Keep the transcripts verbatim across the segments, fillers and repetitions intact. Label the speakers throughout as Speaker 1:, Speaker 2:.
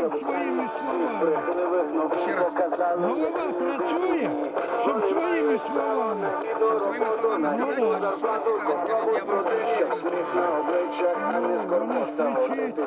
Speaker 1: щоб своїми словами. Голова працює, щоб своїми словами.
Speaker 2: Щоб своїми словами сказати, що вас цікавить, скажіть, я вам скажу, що
Speaker 1: Ну, воно ж кричить.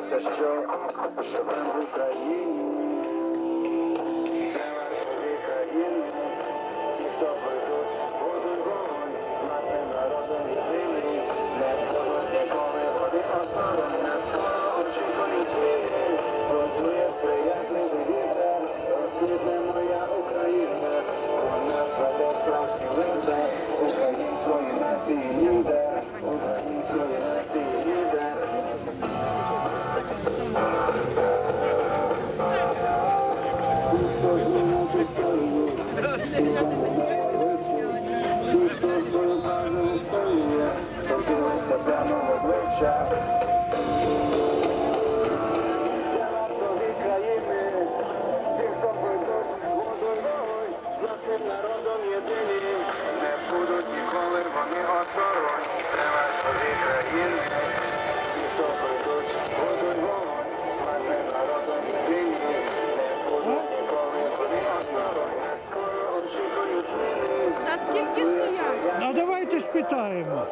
Speaker 3: За скільки стоять?
Speaker 1: А давайте спитаємо.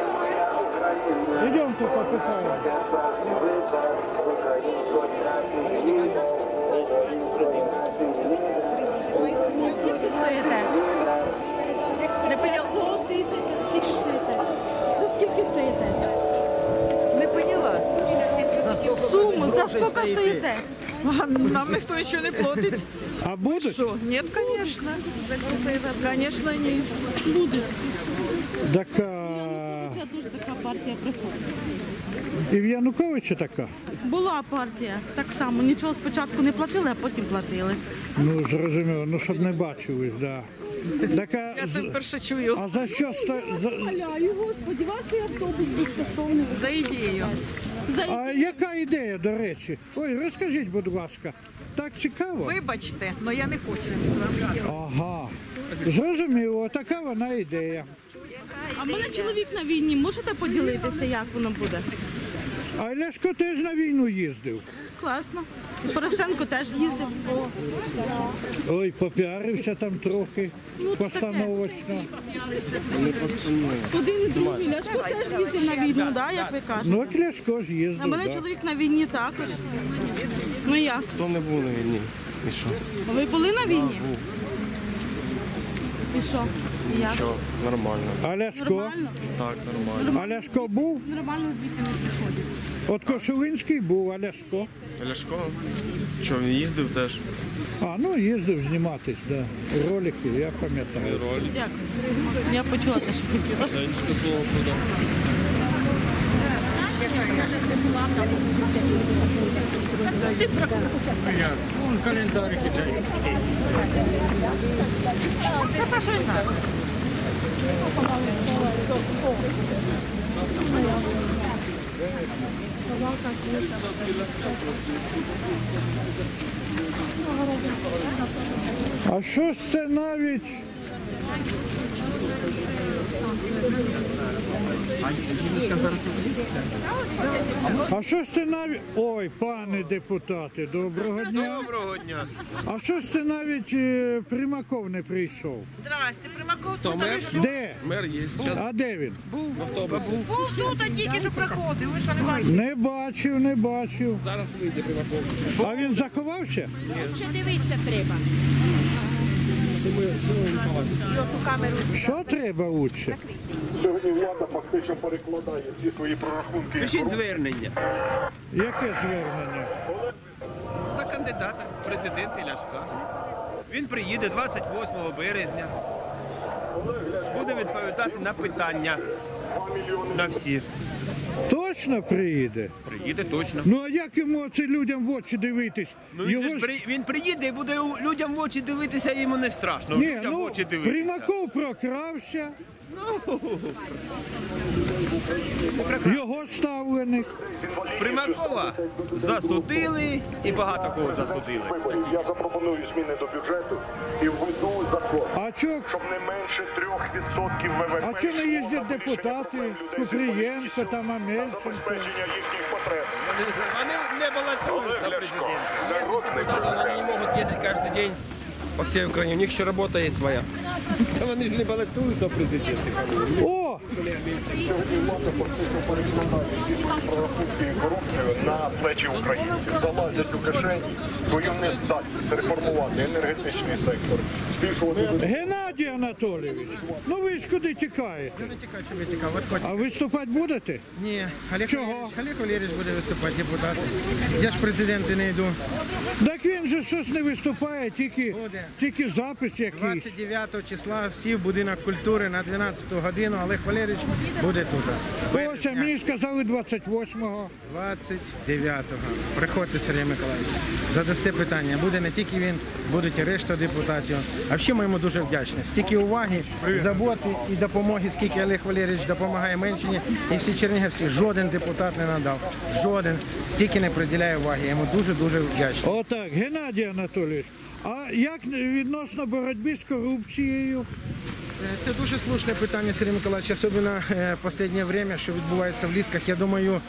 Speaker 1: Йдемте попитаємо.
Speaker 3: За скільки стоїте? Не поняла, сто тисяч, а скільки стоїте? За скільки стоїте? Не поняла? Суму, за скільки стоїте? А нам ніхто нічого не платить.
Speaker 1: А будуть?
Speaker 3: Що? Ні, звісно. Звісно, ні. Будуть.
Speaker 1: Така...
Speaker 3: Це дуже така партія приходить.
Speaker 1: І в Януковича така?
Speaker 3: Була партія, так само. Нічого спочатку не платили, а потім платили.
Speaker 1: Ну, зрозуміло, ну, щоб не бачились, да. Така...
Speaker 3: Я це вперше чую.
Speaker 1: А за що... ста- За...
Speaker 3: Умоляю, Господи, ваш автобус безкоштовний. За ідею. За ідею.
Speaker 1: А яка ідея, до речі? Ой, розкажіть, будь ласка. Так цікаво?
Speaker 3: Вибачте, але я не хочу.
Speaker 1: Ага. Зрозуміло, така вона ідея.
Speaker 3: А в мене чоловік на війні. Можете поділитися, як воно буде?
Speaker 1: А Ляшко теж на війну їздив.
Speaker 3: Класно. І Порошенко теж їздив.
Speaker 1: Ой, попіарився там трохи, постановочно.
Speaker 3: Один і другий. Ляшко теж їздив на війну, да, як ви кажете?
Speaker 1: Ну, от Ляшко ж
Speaker 3: А в
Speaker 1: їздив,
Speaker 3: мене
Speaker 1: да.
Speaker 3: чоловік на війні також. Ну як?
Speaker 4: Хто не був на війні? І що?
Speaker 3: Ви були на війні? І що? І як?
Speaker 4: Що? Нормально.
Speaker 1: А Ляшко?
Speaker 3: Нормально?
Speaker 4: Так, нормально.
Speaker 1: А Ляшко був?
Speaker 3: Нормально звідти не приходить.
Speaker 1: От Кошулинський був, а Ляшко?
Speaker 4: Ляшко? Що, він їздив теж?
Speaker 1: А, ну їздив зніматись, да. Ролики, я пам'ятаю.
Speaker 4: Ролик.
Speaker 3: Дякую. Я почула те, що хотіла.
Speaker 4: Денчика слово подав.
Speaker 1: Вон календарик іде. А що ж це навіть? А що ж це навіть... Ой, пане депутати, доброго дня.
Speaker 4: Доброго дня.
Speaker 1: А що ж це навіть е, Примаков не прийшов?
Speaker 3: Здрасте, Примаков
Speaker 4: То мер?
Speaker 1: Де?
Speaker 4: Мер є. Зараз
Speaker 1: А де він?
Speaker 4: в автобусі.
Speaker 3: був тут, а тільки що приходив. Ви що не бачите?
Speaker 1: Не бачив, не бачив.
Speaker 4: Зараз вийде Примаков.
Speaker 1: А він заховався?
Speaker 5: Ще дивитися треба.
Speaker 1: Що треба лучше?
Speaker 6: Сьогодні влада фактично перекладає всі свої прорахунки.
Speaker 4: Пишіть звернення
Speaker 1: Яке звернення?
Speaker 4: до кандидата в президенти Ляшка. Він приїде двадцять восьмого березня. Буде відповідати на питання на всі.
Speaker 1: Точно приїде?
Speaker 4: Приїде точно.
Speaker 1: Ну а як йому це людям в очі дивитись?
Speaker 4: Ну, він,
Speaker 1: Його
Speaker 4: же ж
Speaker 1: ж...
Speaker 4: при- він приїде і буде у- людям в очі дивитися, йому не страшно.
Speaker 1: Ні,
Speaker 4: людям в
Speaker 1: ну,
Speaker 4: очі дивитися.
Speaker 1: Примаков прокрався, Його ставленик.
Speaker 4: Примакова засудили і багато кого засудили.
Speaker 6: Виборів. Я запропоную зміни до бюджету і введу закон,
Speaker 1: А чо,
Speaker 6: щоб не менше трьох відсотків ВВП.
Speaker 1: а чо не
Speaker 6: йшло
Speaker 1: їздять
Speaker 6: на
Speaker 1: депутати,
Speaker 6: вирішення проблем людей з
Speaker 1: Купрієнко,
Speaker 6: інвалідністю,
Speaker 1: там
Speaker 6: на
Speaker 1: Амельченко?
Speaker 6: забезпечення їхніх потреб.
Speaker 4: Вони не балотуються
Speaker 6: Олег
Speaker 4: президентом.
Speaker 6: Ляшко, народний
Speaker 2: Депутаты, они не
Speaker 6: президент.
Speaker 2: могут ездить каждый день по всей Украине. У них еще работа есть своя.
Speaker 4: Та вони ж не балотуються президенти.
Speaker 1: О,
Speaker 6: Сьогодні влада фактично перекладає всі свої прорахунки і корупцію на плечі українців. Залазять у кишені свою нездатність реформувати енергетичний сектор, збільшувати
Speaker 1: Геннадій Анатолійович, ну ви ж куди тікаєте?
Speaker 5: Не тікаю, чого я тікав. От хоч-
Speaker 1: А виступати будете?
Speaker 5: Ні, Олег
Speaker 1: Чого?
Speaker 5: Валерійович, Олег Валерійович буде виступати, депутат. Я ж президент і не йду.
Speaker 1: Так він же щось не виступає, тільки,
Speaker 5: Буде.
Speaker 1: тільки запис якийсь.
Speaker 5: двадцять дев'ятого числа всі в будинок культури на дванадцяту годину Олег Валерійович буде тут.
Speaker 1: Ось, а мені сказали двадцять восьмого.
Speaker 5: двадцять дев'ятого. Приходьте, Сергій Миколаївич. Задасте питання. Буде не тільки він, будуть і решта депутатів. А взагалі ми йому дуже вдячні. Стільки уваги, заботи і допомоги, скільки Олег Валерійович допомагає Менщині. І всі чернігівці, жоден депутат не надав. Жоден стільки не приділяє уваги. Я йому дуже-дуже вдячний.
Speaker 1: Отак, Геннадій Анатолійович, а як відносно боротьби з корупцією?
Speaker 5: Це дуже слушне питання, Сергій Миколаївич, особливо е, в останнє время, що відбувається в Лісках. Я думаю,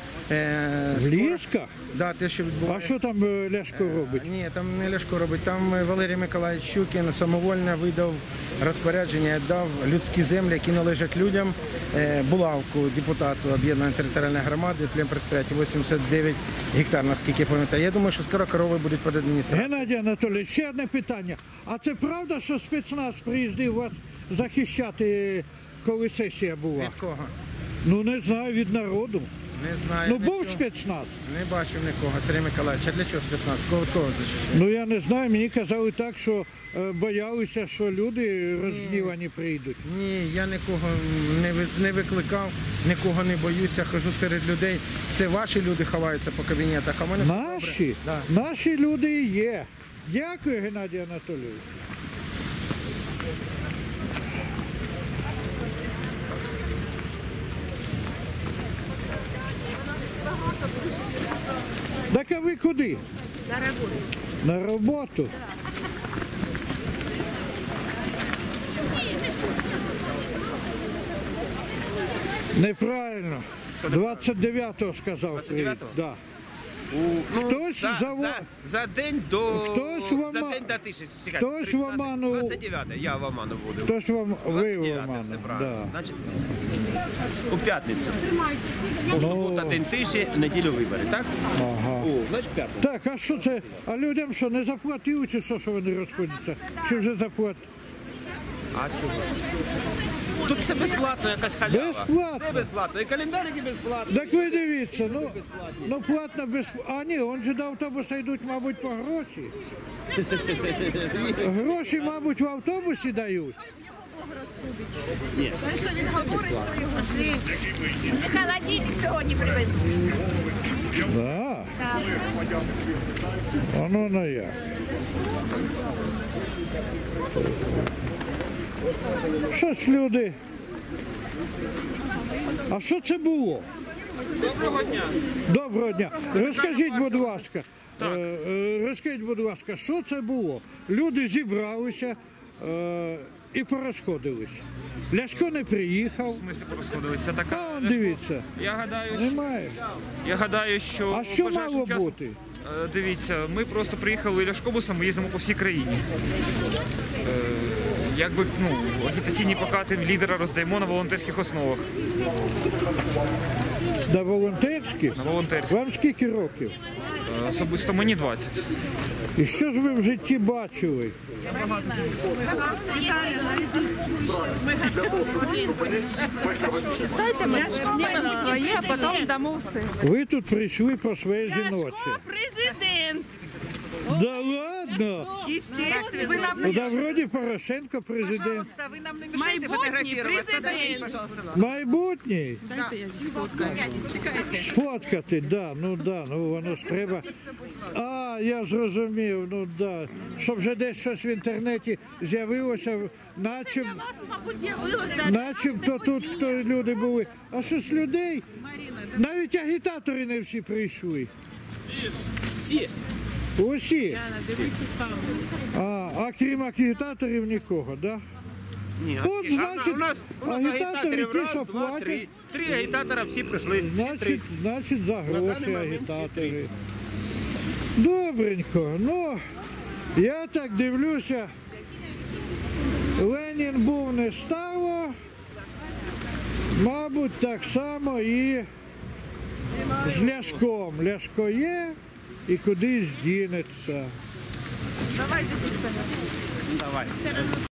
Speaker 5: е,
Speaker 1: В
Speaker 5: скоро-
Speaker 1: Лісках?
Speaker 5: Да, те, що
Speaker 1: А
Speaker 5: відбувається.
Speaker 1: що там е, Ляшко робить?
Speaker 5: Ні, там не Ляшко робить. Там е, Валерій Миколаївич Щукін самовольно видав розпорядження, дав людські землі, які належать людям, е, булавку депутату об'єднаної територіальної громади, племпредприятия вісімдесят дев'ять гектар, наскільки я пам'ятаю. Я думаю, що скоро корови будуть під адміністрацією.
Speaker 1: Геннадій Анатолійович, ще одне питання. А це правда, що спецназ приїздив вас захищати, коли сесія була?
Speaker 5: Від кого?
Speaker 1: Ну не знаю, від народу.
Speaker 5: Не знаю.
Speaker 1: Ну був
Speaker 5: нічого.
Speaker 1: спецназ.
Speaker 5: Не бачив нікого, Сергій Миколаївич. А для чого спецназ? Кого, кого захищає?
Speaker 1: Ну я не знаю, мені казали так, що е, боялися, що люди розгнівані прийдуть.
Speaker 5: Ні, я нікого не, виз- не викликав, нікого не боюся, хожу серед людей. Це ваші люди ховаються по кабінетах, а в мене все добре.
Speaker 1: Наші,
Speaker 5: Да.
Speaker 1: наші люди і є. Дякую, Геннадій Анатолійович. Так а ви куди?
Speaker 3: На роботу.
Speaker 1: На роботу? Неправильно. двадцять дев'ятого сказав. прийде. Да.
Speaker 4: Ну,
Speaker 1: Хтось
Speaker 4: за,
Speaker 1: заво-
Speaker 4: за, за день до
Speaker 1: Хтось в
Speaker 4: за
Speaker 1: Ома-
Speaker 4: день до тисячі. Чекайте,
Speaker 1: хтось в
Speaker 4: тридцяте,
Speaker 1: Оману-
Speaker 4: двадцять дев'яте, я в Оману буду.
Speaker 1: Хтось вам ви в
Speaker 4: дев'яте,
Speaker 1: Оману.
Speaker 4: все
Speaker 1: Да.
Speaker 4: правильно. Значить, у п'ятницю.
Speaker 1: Ну.
Speaker 4: Субота, день тиші, неділю вибори, так?
Speaker 1: Ага.
Speaker 4: О, значить п'ятницю.
Speaker 1: Так, а що це? А людям що, не заплатили, чи що, що вони розходяться? Чи вже заплатили?
Speaker 4: А чого? Тут все безплатно, якась халява.
Speaker 1: Безплатно?
Speaker 4: Все безплатно. І календарики безплатні.
Speaker 1: Так ви дивіться, ну, ну платно без... А ні, он же до автобуса йдуть, мабуть, по гроші. Гроші, мабуть, в автобусі дають.
Speaker 7: Холодильник сьогодні привезли.
Speaker 1: Да. Воно на як. Щось люди. А що це було?
Speaker 8: Доброго дня.
Speaker 1: Доброго дня. Розкажіть, будь ласка, е, е, розкажіть, будь ласка, що це було? Люди зібралися е, і порозходились. Ляшко не приїхав.
Speaker 8: Ми порозходилися. Така
Speaker 1: А он дивіться,
Speaker 8: я гадаю, що,
Speaker 1: немає.
Speaker 8: я гадаю, що
Speaker 1: А що
Speaker 8: ближайшим
Speaker 1: мало
Speaker 8: часом-
Speaker 1: бути?
Speaker 8: Е, Дивіться, ми просто приїхали ляшкобусом, ми їздимо по всій країні. Е, Якби ну, агітаційні плакати лідера роздаємо на волонтерських основах.
Speaker 1: На волонтерських?
Speaker 8: На волонтерських.
Speaker 1: Вам скільки років?
Speaker 8: Е, Особисто мені двадцять.
Speaker 1: І що ж ви в житті бачили?
Speaker 3: Дайте ми знімемо своє, а потім дамо все.
Speaker 1: Ви тут прийшли про своє жіноче.
Speaker 7: Президент.
Speaker 1: Да ладно? видно.
Speaker 7: Естественно.
Speaker 3: Вы нам
Speaker 1: Ну да, вроді Порошенко президент.
Speaker 3: Пожалуйста, вы нам не мешайте
Speaker 7: Майбутній
Speaker 3: фотографироваться.
Speaker 7: президент.
Speaker 3: Дайте, пожалуйста.
Speaker 1: Майбутній.
Speaker 3: Дайте я їх сфоткаю. Чекайте.
Speaker 1: Сфоткати, да, ну да, ну воно ж треба. А, я зрозумів, ну да. Щоб вже десь щось в інтернеті з'явилося, начеб,
Speaker 7: Вас, мабуть, з'явилося.
Speaker 1: начебто тут хто люди були. А що ж людей? Навіть агітатори не всі прийшли.
Speaker 4: Всі.
Speaker 1: Усі. А, а крім агітаторів нікого, да?
Speaker 4: Ні,
Speaker 1: От,
Speaker 4: а,
Speaker 1: значить,
Speaker 4: у нас, у нас
Speaker 1: агітатори
Speaker 4: агітаторів
Speaker 1: ті,
Speaker 4: раз,
Speaker 1: що
Speaker 4: два,
Speaker 1: платять.
Speaker 4: три. Три агітатора всі прийшли.
Speaker 1: Значить, значить за гроші
Speaker 4: даний момент
Speaker 1: агітатори. Добренько. Ну, я так дивлюся, Ленін був не стало, мабуть, так само і з Ляшком. Ляшко є і кудись дінеться.
Speaker 7: Давайте,
Speaker 4: Давай.